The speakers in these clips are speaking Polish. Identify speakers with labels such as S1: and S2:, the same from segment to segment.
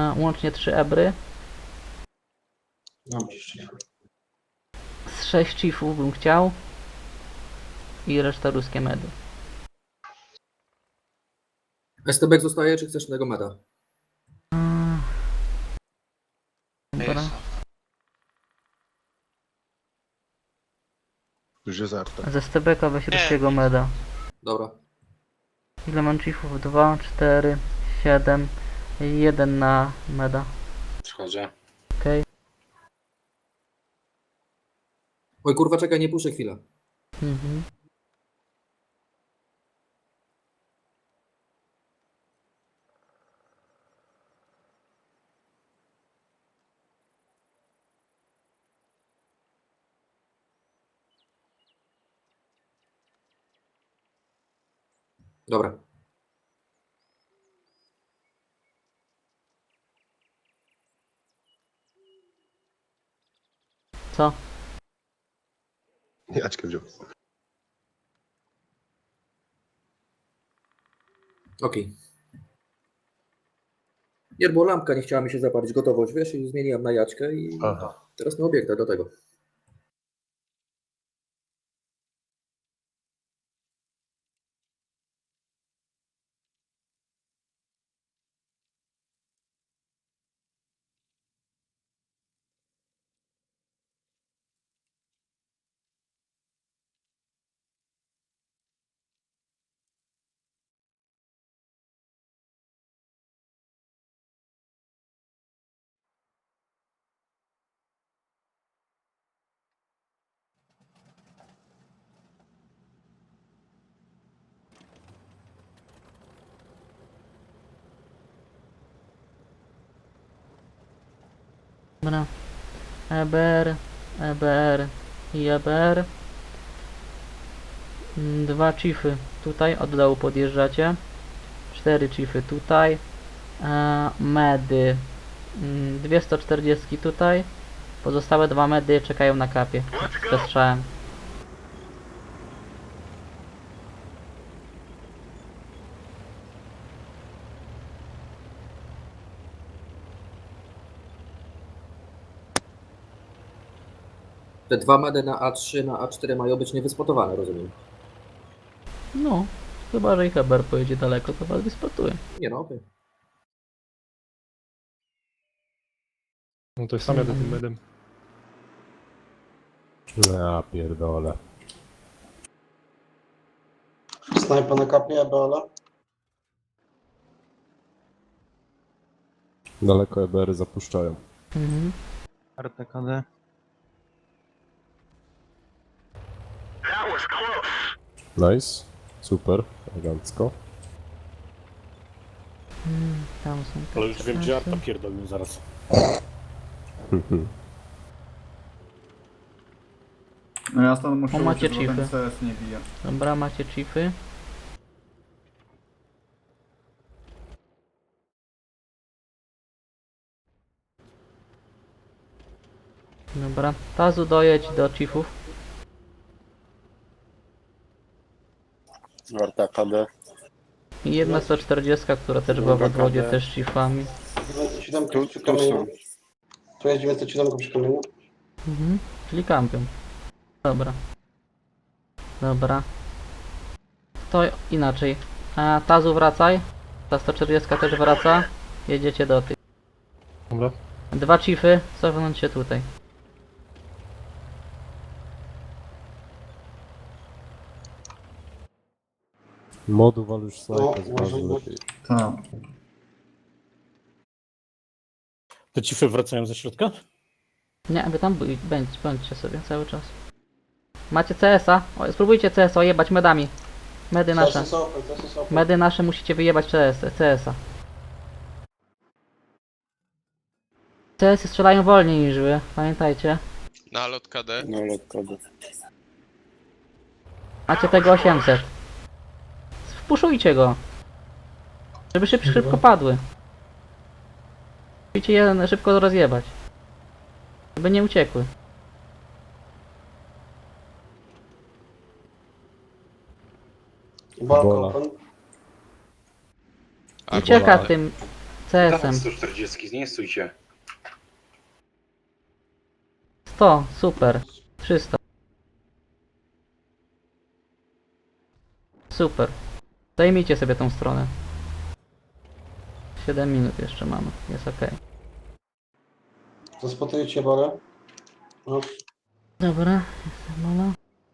S1: Łącznie 3 ebry.
S2: Mam jeszcze.
S1: Z 6 chiefów bym chciał. I reszta ruskie medy.
S3: STB zostaje, czy chcesz innego meda?
S1: Dobra.
S4: Już jest arta.
S1: Ze stebeka weź ruskiego meda.
S3: Dobra.
S1: Ile mam chiefów? 2, 4, 7. 1 na meda.
S2: Przychodzę.
S1: Okej.
S3: Oj kurwa, czekaj, nie puszczę chwilę.
S1: Mhm.
S3: Dobra.
S1: Co?
S4: Jaćkę wziął.
S3: Okej. Nie, bo lampka nie chciała mi się zapalić, gotowość, wiesz, i zmieniłem na jaćkę i
S4: Aha.
S3: teraz na obiektach do tego.
S1: Dobra. EBR, EBR i EBR. 2 chiefy tutaj, od dołu podjeżdżacie. 4 chiefy tutaj. Medy. 240 tutaj. Pozostałe 2 medy czekają na kapie. Ze strzałem.
S3: Te 2 medy na A3, na A4 mają być niewyspotowane, rozumiem.
S1: No, chyba że ich EBR pojedzie daleko, to was wyspotuje.
S3: Nie no, okej.
S5: No to sam jadę tym medem.
S6: Ja pierdolę.
S2: Snajpa na kapnie, Ebola.
S6: Daleko EBR-y zapuszczają.
S1: Mhm.
S5: RTKD.
S6: Nice. Super. Elegancko.
S1: Tam są te
S7: Ale już wiem, gdzie
S1: trasy.
S7: Arta pierdolił zaraz.
S8: No ja stąd muszę
S1: O, macie
S8: uciec, bo ten
S1: chiefy.
S8: CS nie bije.
S1: Dobra, macie chiefy. Dobra, Tazu dojedź do chiefów.
S7: Arta KD.
S1: I jedna 140, która też była w odwodzie, też z chiefami.
S2: 907 przy kamieniu. Tu jest 907 przy kamieniu.
S1: Mhm, czyli kampion. Dobra. Dobra. To inaczej. Tazu wracaj. Ta 140 też wraca. Jedziecie do tych.
S5: Dobra.
S1: 2 chiefy, cofnąć się tutaj.
S6: Modu wal już snajpę
S2: No,
S6: z bazy
S2: może-
S6: lepiej.
S8: Tak.
S7: Te cify wracają ze środka?
S1: Nie, wy tam bądźcie sobie cały czas. Macie CS-a? Spróbujcie CS-a jebać medami. Medy nasze.
S2: Też jest open, też jest open.
S1: Medy nasze musicie wyjebać CS-a. CS-y strzelają wolniej niż wy, pamiętajcie.
S9: Na lot KD.
S7: No ale KD.
S1: Macie tego 800. Wpuszujcie go. Żeby szybko padły. Musicie je szybko rozjebać. Żeby nie uciekły.
S2: Balkon
S6: Ebola.
S2: open.
S1: Ucieka tym. CS-em.
S4: 140, nie stójcie.
S1: 100, super. 300. Super. Zajmijcie sobie tą stronę. 7 minut jeszcze mamy, jest ok.
S2: Zaspotujecie barę. No,
S1: Dobra, jest mola.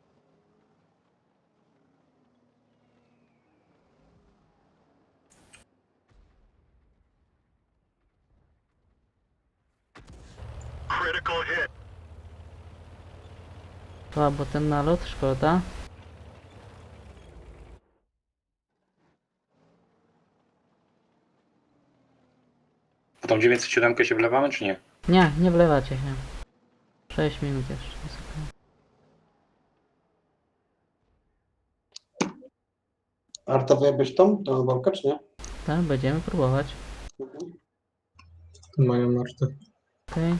S1: Bo ten nalot, szkoda.
S4: A tą 907 się wlewamy, czy nie?
S1: Nie, nie wlewacie się. 6 minut jeszcze, jest ok.
S2: Arta, wyjebiesz tą walkę, czy nie?
S1: Tak, będziemy próbować.
S2: Mhm.
S8: Mają marty.
S1: Okej.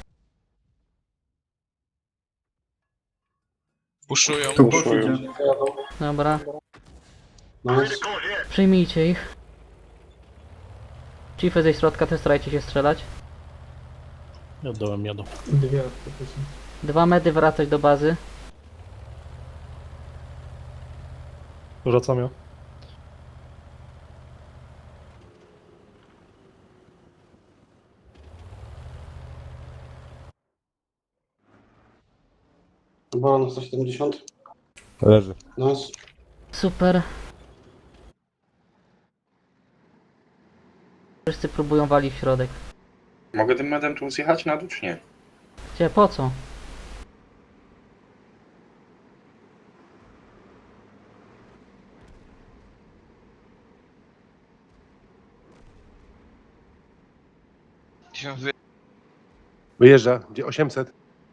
S8: Puszują.
S2: Jadą.
S1: Dobra,
S2: Nice.
S1: przyjmijcie ich. Chiefy ze środka też starajcie się strzelać.
S7: Jadą.
S1: 2 medy wracać do bazy.
S5: Wracam ja.
S2: Bola na 170.
S6: Leży.
S2: Nice.
S1: Super. Wszyscy próbują walić w środek.
S4: Mogę tym medem tu zjechać na dół, czy nie?
S1: Gdzie, po co?
S9: Wyjeżdża, gdzie 800.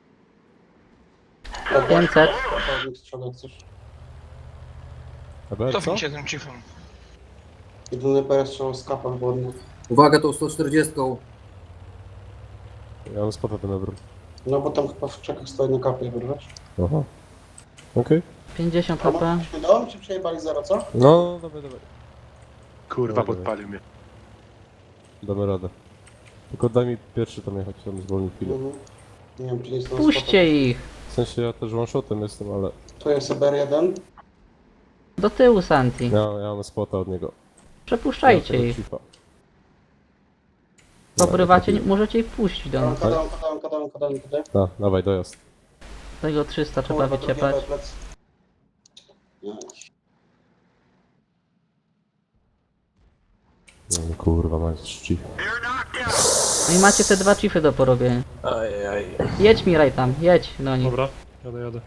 S1: 500.
S2: Prawnik strzela, jak chcesz.
S6: EBR, co?
S8: tym chiefem.
S2: Jedyny PS strzał z kapem wodnym.
S3: Uwaga tą 140.
S6: Ja mam spota ten EBR.
S2: No bo tam chyba w czekach stoi na kapie, wiesz?
S6: Aha. Okej.
S1: 50
S2: A
S1: HP.
S2: mogliśmy dom, czy przejebali zero, co?
S6: No, dawaj.
S9: Kurwa,
S6: Dobra.
S9: podpalił mnie.
S6: Damy radę. Tylko daj mi pierwszy tam jechać, tam zwolnił chwilę.
S2: Mhm. Nie wiem, czy nie jest to
S1: Puśćcie ich!
S6: W sensie ja też one-shotem jestem, ale
S2: Tu jest EBR1.
S1: Do tyłu, Santi.
S6: ja mam spota od niego.
S1: Przepuszczajcie
S6: Ja
S1: ich.
S6: tego chiefa.
S1: Pobrywacie,
S6: Dobra,
S1: możecie ich puścić do nas.
S2: Kadam.
S6: Dawaj, dojazd.
S1: Tego 300 trzeba wyciepać.
S6: No, kurwa, macie czci.
S1: No i macie te 2 chiefy do porobienia. Jedź Miraj tam, jedź do nich.
S5: Dobra, jadę.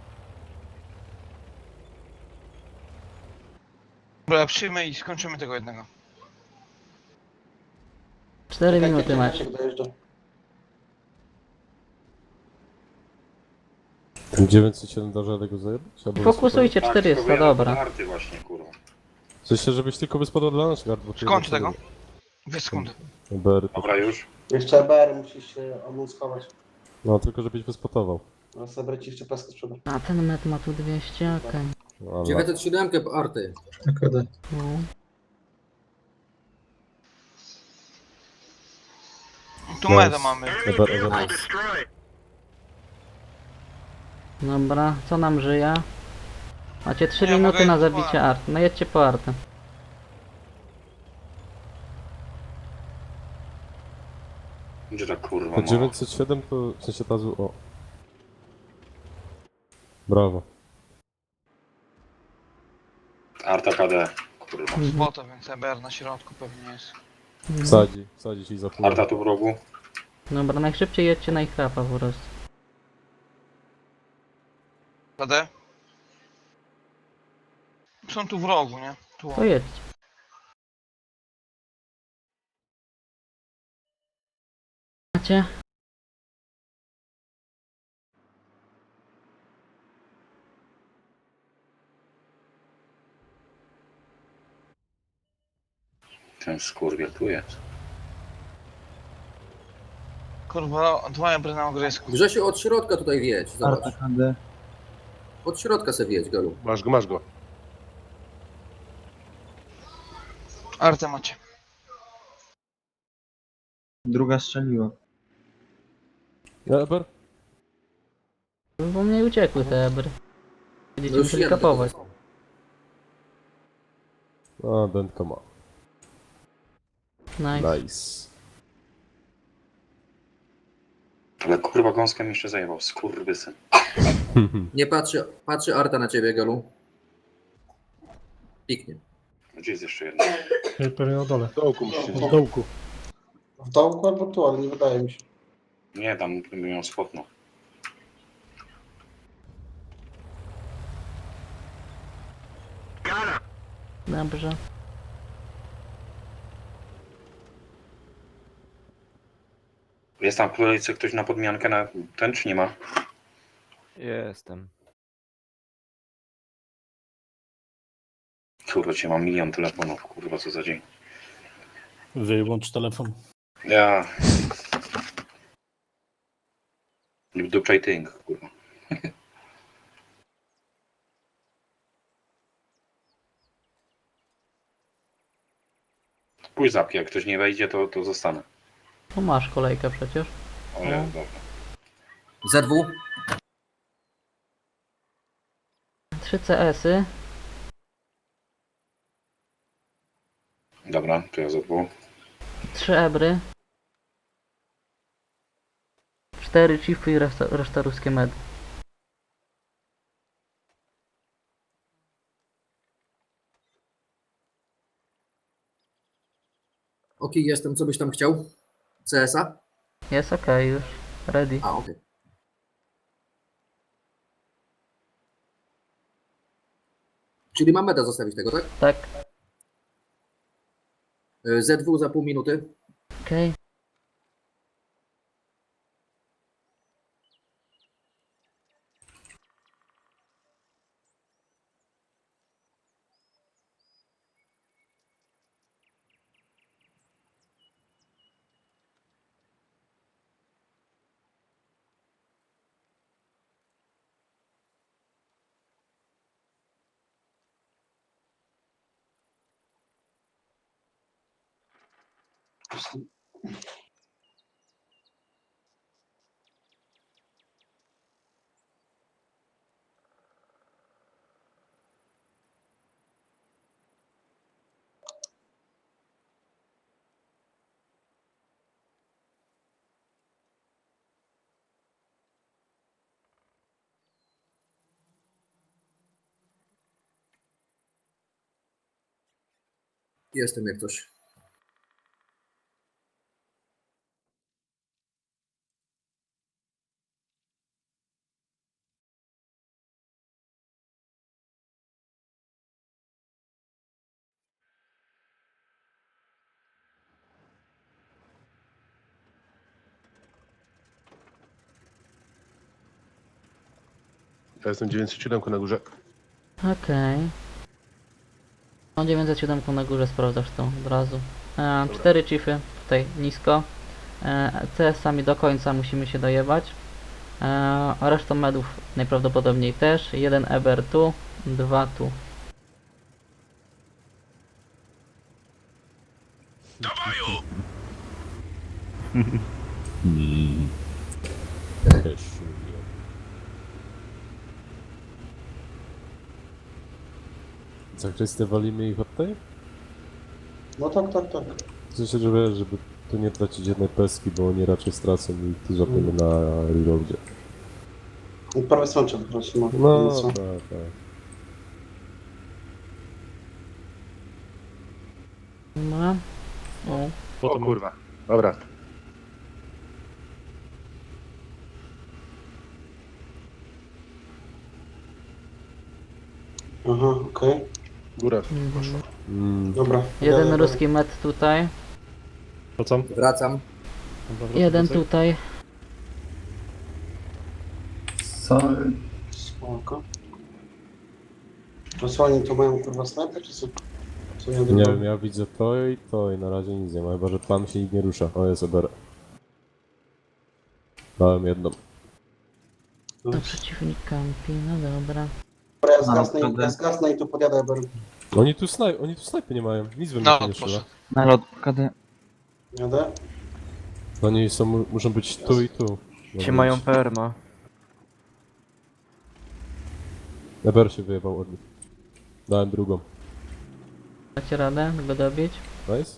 S8: Dobra, przyjmę i skończymy tego jednego.
S1: 4 minuty macie.
S6: Ten 907 da żadnego zajebać? Albo
S1: Fokusujcie 400,
S4: tylko
S1: dobra.
S4: Arty właśnie, kurwa.
S6: W sensie, żebyś tylko wyspadł dla nas gard, bo...
S8: Skończ tego. 2 sekundy.
S6: EBR,
S4: Dobra, już.
S2: Jeszcze EBR musisz się omunskować.
S6: no tylko żebyś wyspotował.
S2: A zabrać ci jeszcze peskę sprzeda.
S1: A ten met ma tu 200, okej.
S6: No, ale-
S3: 907 arty.
S1: No.
S8: Tu
S6: Nice.
S8: meda mamy.
S6: EBR.
S1: Dobra, co nam żyje? Macie 3
S8: Ja
S1: minuty
S8: mogę
S1: na
S8: iść po
S1: zabicie art. No jedźcie po artę.
S4: Gdzie ta kurwa
S6: To
S4: ma?
S6: 907 to w sensie tazu... O. Brawo.
S4: Arta KD. Kurwa.
S8: Spota, więc EBR na środku pewnie jest.
S6: Wsadzi ci za pół.
S4: Arta tu w rogu.
S1: Dobra, najszybciej jedźcie na ich rapa po prostu.
S8: KD? Są tu w rogu, nie? Tu.
S1: To jedźcie. Macie?
S4: Ten skurwiel tu jest.
S8: Kurwa, 2 ebry na ogrysku.
S3: Grzesiu, od środka tutaj wjedź. Zobacz. Od środka se wjedź, Galu.
S9: Masz go.
S8: Artę macie.
S10: Druga strzeliła.
S6: Eber?
S1: Bo mnie uciekły te ebry. Będziecie
S3: już
S1: musieli
S3: jeden
S1: kapować.
S3: tylko
S6: A, dętka ma.
S1: Nice.
S6: Nice.
S4: Ale kurwa gąskę mi jeszcze zajebał, skurwysyn.
S3: Nie patrzy Arta na ciebie, Gelu. Piknie.
S4: Gdzie jest jeszcze jedna?
S5: Pewnie na dole.
S9: W dołku musicie.
S7: W dołku.
S2: W dołku albo tu, ale nie wydaje mi się.
S4: Nie, tam bym ją spotnął.
S1: Dobrze.
S4: Jest tam w kolejce ktoś na podmiankę na ten, czy nie ma?
S11: Jestem.
S4: Kurwa, cię mam milion telefonów, kurwa, co za dzień.
S7: Wyłącz telefon.
S4: Ja... Dupczaj tynk, kurwa. Pójdź zapki, jak ktoś nie wejdzie, to zostanę.
S1: Tu masz kolejkę przecież.
S4: O, ja, dobra.
S3: Z2.
S1: 3 CS-y.
S4: Dobra, to ja zadbał.
S1: 3 ebry. 4 chiefy i reszta ruskie medy.
S3: Ok, jestem. Co byś tam chciał? CS-a?
S1: Jest okej już. Ready.
S3: A, okej. Czyli mam meda zostawić tego, tak?
S1: Tak.
S3: Z2 za pół minuty.
S1: Okej.
S3: Jestem jak coś.
S9: Ja jestem 907 na górze.
S1: Okej. No 907 na górze sprawdzasz to od razu. 4 chiefy tutaj nisko. CS-ami do końca musimy się dojebać. A resztą medów najprawdopodobniej też. 1 eber tu, 2 tu.
S6: Zakrystę walimy ich od tej?
S2: No tak, tak, tak.
S6: W sensie, żeby tu nie tracić jednej peski, bo oni raczej stracą i tu złapiemy na reloadzie.
S2: I prawie sączę po prostu.
S6: No,
S2: co?
S6: tak, tak.
S1: No. O.
S9: O
S5: Potem
S9: kurwa. Dobra.
S2: Aha, okej.
S9: Góra.
S2: Dobra.
S1: Jeden
S2: Jadę,
S1: ruski med tutaj.
S5: wracam.
S3: Wracam.
S1: Jeden tutaj.
S2: Spoko. Rosłanie to mają kurwa snajper, czy co? Co
S6: Nie wiem, ja widzę to i na razie nic nie ma, chyba że plan się nikt nie rusza. O, jest Eber. Dałem jedną.
S1: To przeciwnik kampi, no dobra.
S2: Dobra, ja zgasnę i tu podjadę, bo
S6: Oni tu snajpy nie mają, nic we mnie
S8: No,
S6: się nie strzela.
S8: poszedł.
S10: Nalot KD.
S2: jadę.
S6: Oni są, muszą być tu i tu.
S11: Ci mają perma.
S6: Eber się wyjebał od nich. Dałem drugą.
S1: Dacie radę go dobić?
S6: Nice?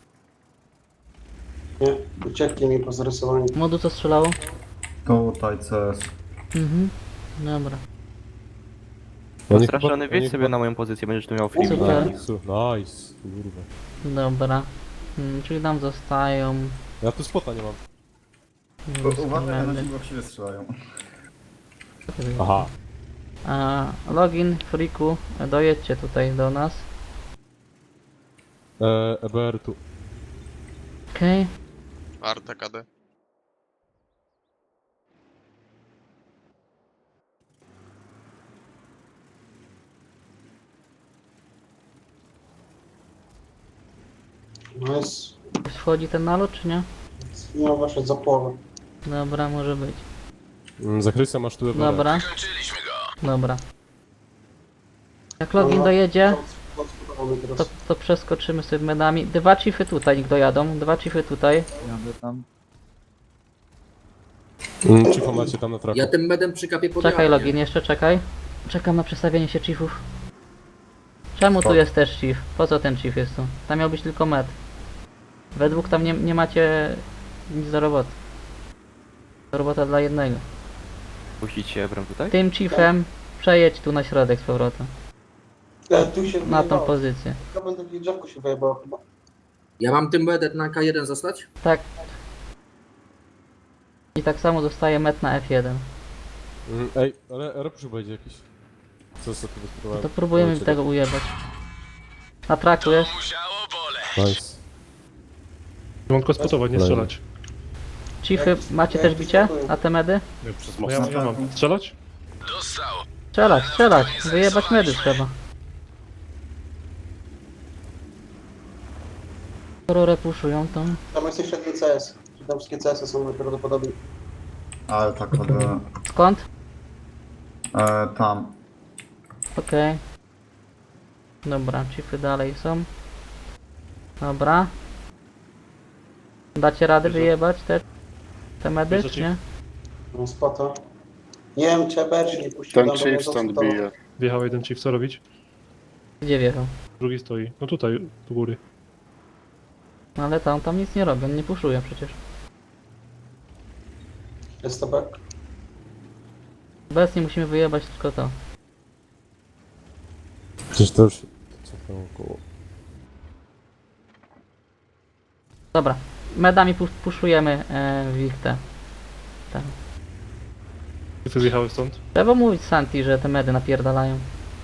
S2: Nie, uciekli mi po zarysowaniu.
S1: Modu co strzelało?
S10: Tutaj CS.
S1: Mhm. Dobra.
S6: Oni
S11: Straszony,
S6: chyba-
S11: wiedź
S6: oni
S11: sobie na moją pozycję, będziesz tu miał free.
S1: Super.
S6: Nice, kurwa.
S1: Dobra. Czyli tam zostają...
S6: Ja tu spota nie mam.
S10: Uważaj,
S1: medy.
S10: na właściwie strzelają.
S6: Aha.
S1: Login, Friku, dojedźcie tutaj do nas.
S6: EBR tu.
S1: Okej.
S12: Arta KD.
S2: Nice.
S1: Wchodzi ten nalot, czy nie?
S2: Nie ma weszeć za połowę.
S1: Dobra, może być.
S6: Za Chrysa masz tu EBR.
S1: Dobra. Dobra. Jak login dojedzie, to przeskoczymy sobie medami. Dwa chiefy tutaj niech dojadą. Dwa chiefy tutaj.
S10: Jadę tam.
S6: Cicho macie tam na traku.
S3: Ja tym medem przykapię pod
S1: Czekaj
S3: jachę,
S1: login, jeszcze czekaj. Czekam na przestawienie się chiefów. Czemu tu
S6: Tak.
S1: jest też chief? Po co ten chief jest tu? Tam miał być tylko med. We dwóch tam nie macie nic do roboty. To robota dla jednego.
S11: Puścić się Ebram tutaj?
S1: Tym chiefem przejedź tu na środek z powrotem.
S2: Tu się
S1: Na tą
S2: wyjebało.
S1: pozycję.
S2: To będę w drzewku się wyjebało chyba.
S3: Ja mam tym medem na K1 zostać?
S1: Tak. I tak samo zostaje met na F1.
S6: Ej, ale Europuszu będzie jakiś. Co sobie tu wyspróbowałem?
S1: To próbujemy tego ujebać. Na traku jest.
S6: Nice.
S5: Mam tylko spotować, nie strzelać.
S1: Chiefy, macie też bicie na te medy?
S5: No ja mam. Strzelać?
S1: Strzelać, strzelać. Wyjebać medy trzeba. Skoro repuszują to...
S2: Tam jest jeszcze jeden CS. Tam wszystkie CS-y są prawdopodobnie.
S10: Ale tak,
S1: Skąd?
S10: tam.
S1: Okej. Dobra, chiefy dalej są. Dobra. Dacie radę wyjebać te medy,
S5: Bierze
S1: czy nie?
S2: Mam spota. Nie wiem, czy EBR się nie puścił.
S9: Ten chief stąd bije.
S5: Wjechał jeden chief, co robić?
S1: Gdzie wjechał?
S5: Drugi stoi. No tutaj, do góry.
S1: No ale tam nic nie robi, on nie puszuje przecież.
S2: Jest to back.
S1: Obecnie musimy wyjebać tylko to.
S6: Przecież to już... Co tam około?
S1: Dobra, medami puszujemy w ich te. Tam.
S5: Chiefy zjechały stąd.
S1: Trzeba mówić Santi, że te medy napierdalają.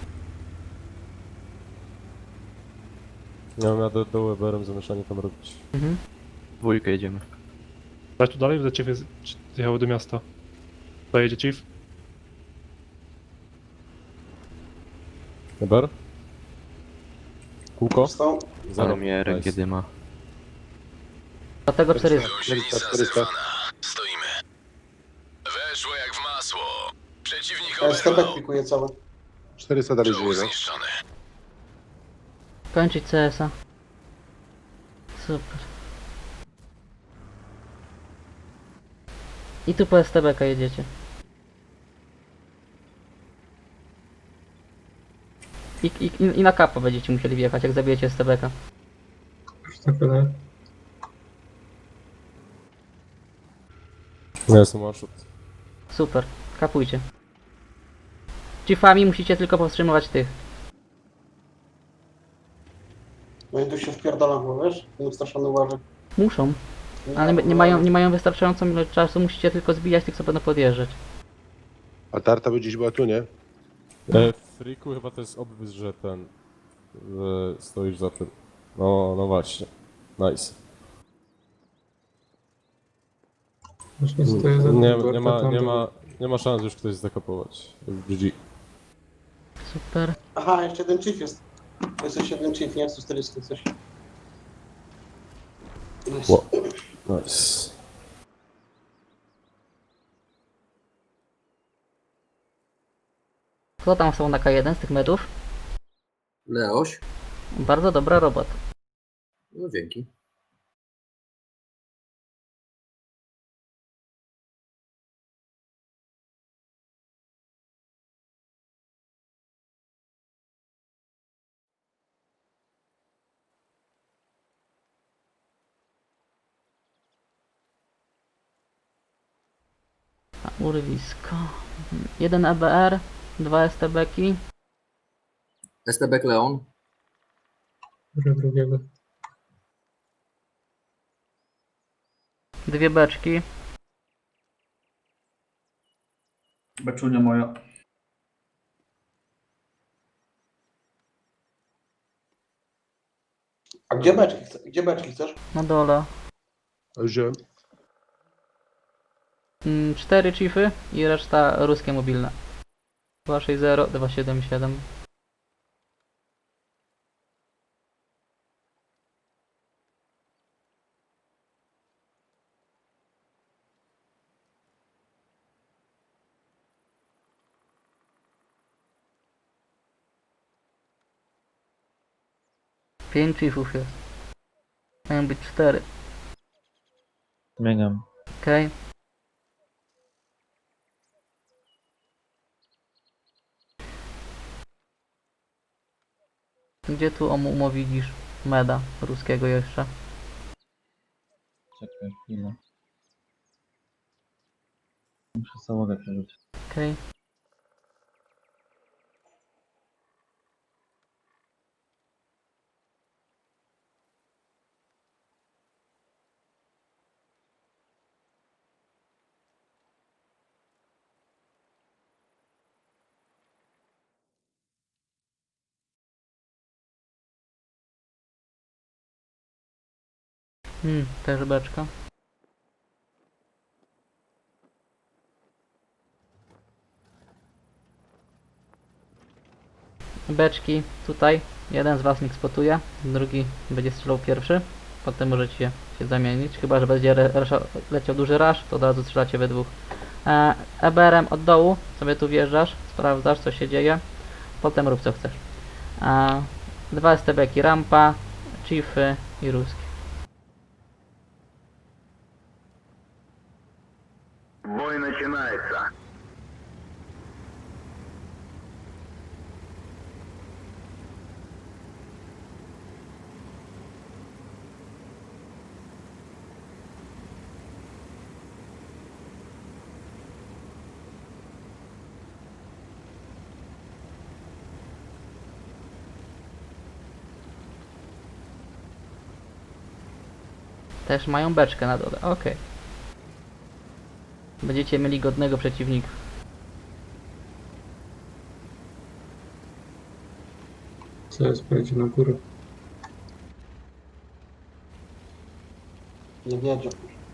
S6: Ja mam do EBR-em zamieszanie tam robić.
S1: Mhm.
S11: Dwójkę jedziemy.
S5: Dać tu dalej, że chiefy zjechały do miasta. Dojedzie chief.
S6: EBR? Kółko?
S2: Stał.
S11: Ale mnie rękę
S6: Nice.
S11: dyma.
S1: Dlatego 400.
S9: 400, 400.
S2: ST back pikuje cały.
S9: 400 dalej żyje, no.
S1: Kończyć CS-a. Super. I tu po STB-ka jedziecie. I na kapo będziecie musieli wjechać, jak zabijecie STB-ka.
S6: Ja jestem one shot.
S1: Super, kapujcie. Chiefami musicie tylko powstrzymywać tych.
S2: No i tu się wpierdalam, bo wiesz? Nieustraszony uważaj.
S1: Muszą, ale nie mają wystarczającą ilość czasu, musicie tylko zbijać tych, co będą podjeżdżać.
S9: A tarta by gdzieś była tu, nie?
S6: Friku chyba to jest obwys, że ten... że stoisz za tym. No właśnie. Nice. Nie ma szans już ktoś zdekopować. GG.
S1: Super.
S2: Aha, jeszcze jeden chief jest. Jest jeszcze jeden chief, nie? 140 coś.
S6: Wow. Nice.
S1: Kto tam są na K1 z tych medów?
S3: Leoś?
S1: Bardzo dobra robota.
S3: No dzięki.
S1: A, urwisko. 1 EBR, 2 STB-ki.
S3: STB Leon.
S2: Drugiego.
S1: 2 beczki.
S10: Beczunia moja.
S2: A gdzie beczki, gdzie beczki chcesz?
S1: Na dole.
S9: A już wziąłem.
S1: 4 chiefy i reszta ruskie mobilne. 260, 277. Pięć chiefów jest. Mają być 4.
S11: Zmieniam.
S1: Okej. Gdzie tu widzisz meda ruskiego jeszcze?
S11: Czekaj chwilę. Muszę załogę przerzucić.
S1: Okej. Też beczka. Beczki tutaj. Jeden z was niech spotuje, drugi będzie strzelał pierwszy. Potem możecie się zamienić. Chyba że będzie leciał duży rush, to od razu strzelacie we dwóch. EBR-em od dołu sobie tu wjeżdżasz, sprawdzasz co się dzieje. Potem rób co chcesz. 2 STB-ki rampa, chiefy i ruski.
S12: Бой начинается.
S1: Też mają beczkę na dole, okej. Będziecie mieli godnego przeciwnika.
S2: Co jest, pojedzie na górę. Nie wiedzie.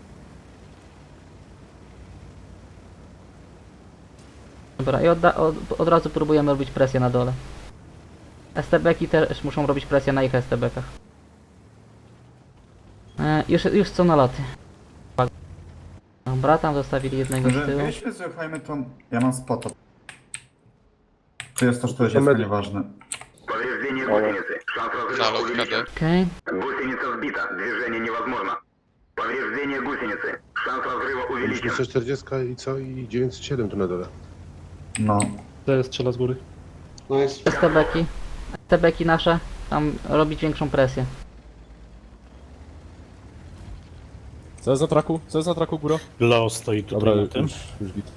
S1: Dobra, i od razu próbujemy robić presję na dole. STB-ki też muszą robić presję na ich STB-kach. Już są na loty. Dobra, tam zostawili jednego z
S10: Może
S1: tyłu.
S10: jeśli słuchajmy, to ja mam spota. To jest to, że to jest nieważne.
S12: Повреждение гусеницы. Шанс разрыва увеличен.
S1: Okej.
S12: Гусеница сбита. Движение невозможно. Повреждение гусеницы. Шанс разрыва увеличен.
S9: 340 i co? I 907 tu na dole.
S10: No.
S5: To strzela z góry.
S2: No jest.
S1: STB-ki. STB-ki nasze. Tam robić większą presję.
S6: Co jest na traku, góra?
S7: Leo stoi tutaj
S6: Dobra,
S7: na tym.
S6: już git.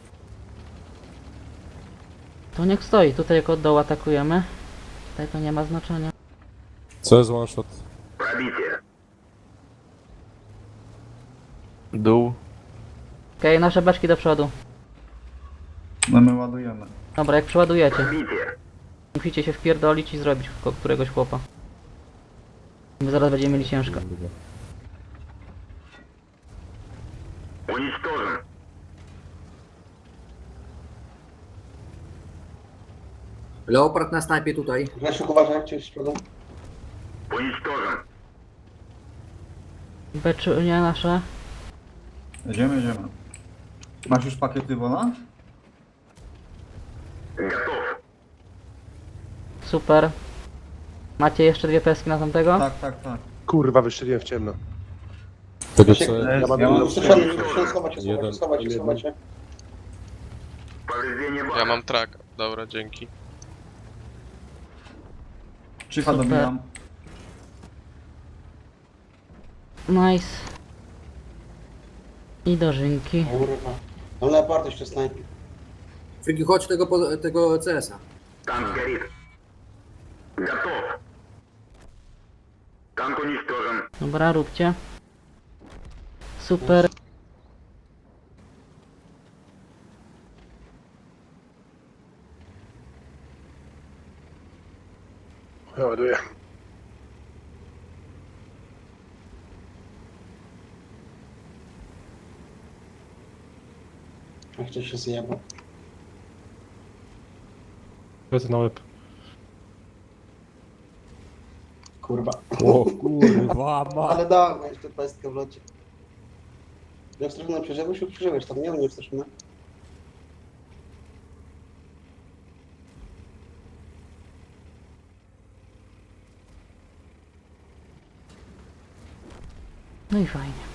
S1: To niech stoi. Tutaj jak od dołu atakujemy. Tutaj to nie ma znaczenia.
S6: Co jest one shot?
S12: Пробитие.
S11: Dół.
S1: Okej, nasze beczki do przodu.
S10: No my ładujemy.
S1: Dobra, jak przeładujecie,
S12: Пробитие.
S1: musicie się wpierdolić i zrobić któregoś chłopa. Bo zaraz będziemy mieli ciężko.
S12: Уничтожен.
S3: Leopard na snajpie tutaj.
S2: Grzesiu, uważaj, cię z przodu.
S12: Уничтожен.
S1: Beczunie nasze.
S10: Jedziemy. Masz już pakiety wola?
S12: Готов.
S1: Super. Macie jeszcze 2 peski na tamtego?
S10: Tak.
S9: Kurwa, wystrzeliłem w ciemno.
S6: Tego
S2: Się-
S6: co...
S9: Ja mam
S10: Ja mam
S2: Schować się,
S6: Jeden.
S2: schować się.
S12: Повреждение бака.
S13: mam track. Dobra, dzięki.
S10: Czycha
S1: Super.
S10: dobijam.
S1: Nice. I dożynki.
S2: Kurwa. Mam Leopard jeszcze snajpi.
S3: Friki, chodź tego CS-a.
S12: Танк горит. Готов. Танк уничтожен.
S1: Dobra, róbcie. Super.
S9: Ja ładuję.
S2: Jak to się zjeba.
S5: Lecę na łeb.
S2: Kurwa.
S6: O kurwa, ma.
S2: Ale dałem jeszcze pestkę w locie. Jak strasznie przeżyłeś, tam nie straszne.
S1: No i fajnie.